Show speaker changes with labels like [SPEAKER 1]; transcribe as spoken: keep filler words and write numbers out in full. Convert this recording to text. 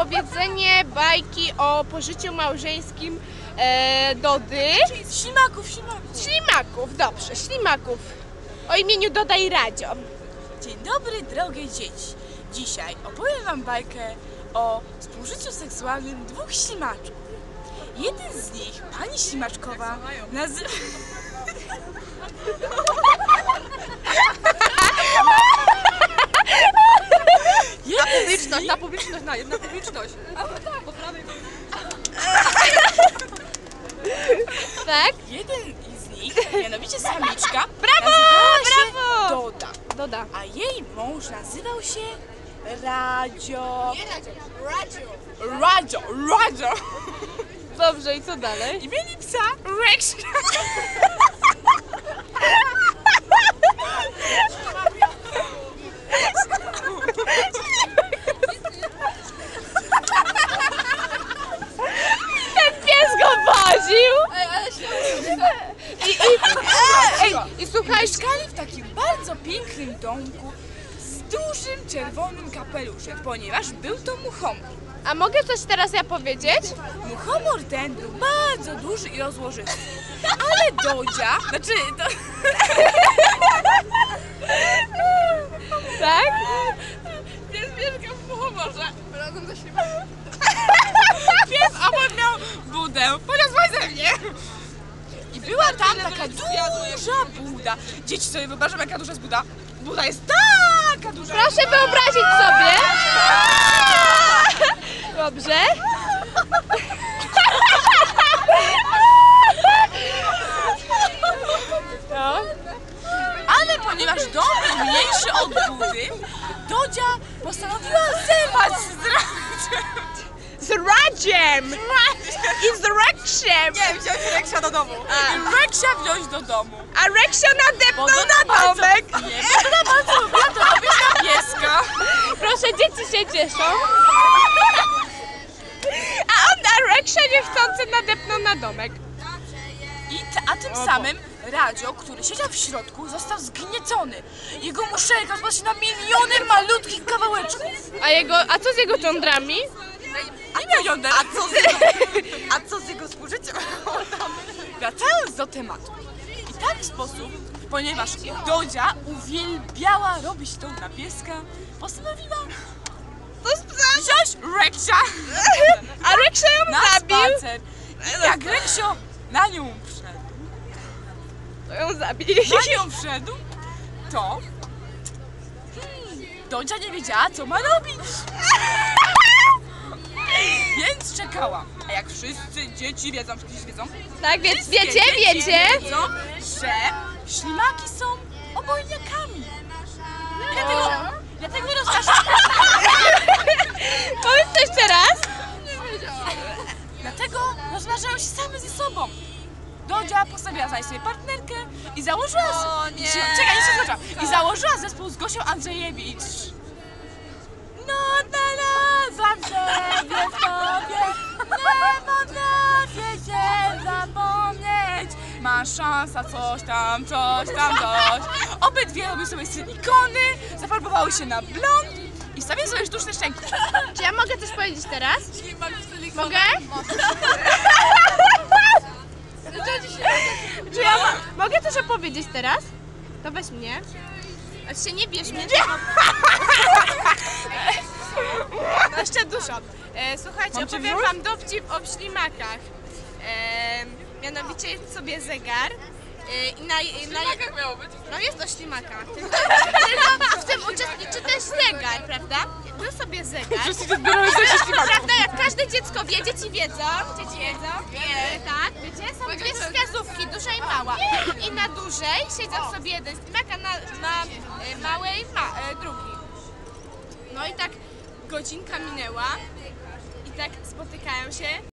[SPEAKER 1] opowiedzenie bajki o pożyciu małżeńskim e, Dody.
[SPEAKER 2] Ślimaków, ślimaków.
[SPEAKER 1] Ślimaków, dobrze, ślimaków. O imieniu Doda i Radzio.
[SPEAKER 2] Dzień dobry, drogie dzieci. Dzisiaj opowiem wam bajkę o współżyciu seksualnym dwóch ślimaczków. Jeden z nich, pani ślimaczkowa, nazywa...
[SPEAKER 3] Na publiczność, na publiczność, na, na publiczność. Po prawej.
[SPEAKER 1] Tak?
[SPEAKER 2] Jeden z nich, mianowicie samiczka,
[SPEAKER 1] Brawo,
[SPEAKER 2] nazywała się
[SPEAKER 1] brawo!
[SPEAKER 2] Doda,
[SPEAKER 1] Doda.
[SPEAKER 2] a jej mąż nazywał się Radzio.
[SPEAKER 3] Nie Radzio, Radzio.
[SPEAKER 2] Radzio, Radzio.
[SPEAKER 1] Dobrze, i co dalej?
[SPEAKER 2] I mieli psa Rex.
[SPEAKER 1] Pies go woził!
[SPEAKER 3] Ej, ale się...
[SPEAKER 1] I, i, ej, i słuchaj,
[SPEAKER 2] Mieszkali w takim bardzo pięknym domku z dużym czerwonym kapeluszem, ponieważ był to muchomor.
[SPEAKER 1] a mogę coś teraz ja powiedzieć?
[SPEAKER 2] Muchomor ten był bardzo duży i rozłożysty, ale Dodzia, znaczy to...
[SPEAKER 1] Tak?
[SPEAKER 2] Pies mieszkał w muchomorze.
[SPEAKER 3] Razem ze ślimakiem.
[SPEAKER 2] Pies obok miał budę, poniosła ze mnie. I była tam taka duża buda. Dzieci sobie wyobrażam, jaka duża jest buda. Buda jest taka duża.
[SPEAKER 1] Proszę wyobrazić sobie. Dobrze. No.
[SPEAKER 2] Ale ponieważ dom był mniejszy od budy, Dodzia postanowiła zerwać z Radziem.
[SPEAKER 1] Z Radziem! I z Reksiem!
[SPEAKER 2] Nie, wziąć Reksia do domu. I Reksia wziąć do domu.
[SPEAKER 1] A Reksio nadepnął
[SPEAKER 2] Bo
[SPEAKER 1] na domek!
[SPEAKER 2] Nie, bo to bardzo lubiła to robić na pieska.
[SPEAKER 1] Proszę, dzieci się cieszą. A on na Reksio niechcący nadepnął na domek.
[SPEAKER 2] I t- a tym samym Radzio, który siedział w środku, został zgniecony. Jego muszelka rozpadła się na miliony malutkich kawałeczków.
[SPEAKER 1] A jego, a co z jego cządrami?
[SPEAKER 2] Nie miał jąder.
[SPEAKER 3] A co z jego, a co z jego współżyciem?
[SPEAKER 2] Wracając do tematu. I tak w sposób, ponieważ Dodzia uwielbiała robić to na pieska, postanowiła wziąć Reksia
[SPEAKER 1] A Reksio ją
[SPEAKER 2] na
[SPEAKER 1] zabił.
[SPEAKER 2] spacer. I jak Reksio na nią wszedł,
[SPEAKER 1] To ją zabił.
[SPEAKER 2] na nią wszedł, to hmm, Dodzia nie wiedziała, co ma robić. Więc czekała. A jak wszyscy dzieci wiedzą, wszyscy wiedzą,
[SPEAKER 1] Tak, więc
[SPEAKER 2] wszystkie
[SPEAKER 1] wiecie,
[SPEAKER 2] dzieci
[SPEAKER 1] wiecie.
[SPEAKER 2] wiedzą, że ślimaki są obojniakami. I dlatego, dlatego rozważają,
[SPEAKER 1] Powiedz to jeszcze raz.
[SPEAKER 2] dlatego rozważają się same ze sobą. Dodzia postanowiła znaleźć sobie partnerkę i założyła...
[SPEAKER 3] O nie.
[SPEAKER 2] Czekaj, nie się zaczęłam. I założyła zespół z Gosią Andrzejewicz. No, znalazłam siebie w tobie, nie potrafię się zapomnieć. Masz szansa, coś tam, coś tam, coś. Obydwie robiły sobie silikony, zafarbowały się na blond i wstawiły sobie sztuczne szczęki.
[SPEAKER 1] Czy ja mogę coś powiedzieć teraz? Mogę? Czy ja mo- mogę coś opowiedzieć teraz? To weź mnie. A się nie bierz mnie. No jeszcze dużo. E, słuchajcie,
[SPEAKER 2] Mam cię
[SPEAKER 1] opowiem
[SPEAKER 2] wziąć?
[SPEAKER 1] wam dowcip o ślimakach. E, mianowicie jest sobie zegar. E, i na, i na,
[SPEAKER 3] Jak miało być?
[SPEAKER 1] no jest o ślimakach. Tylko, tylko w tym uczestniczy też zegar, prawda? Był sobie zegar. Prawda, jak każde dziecko wie, dzieci wiedzą, dzieci wiedzą, e, tak, wiecie, są dwie wskazówki, duża i mała. I na dużej siedzą sobie jeden ślimak, a na, na e, małej ma, e, drugi. No i tak godzinka minęła i tak spotykają się.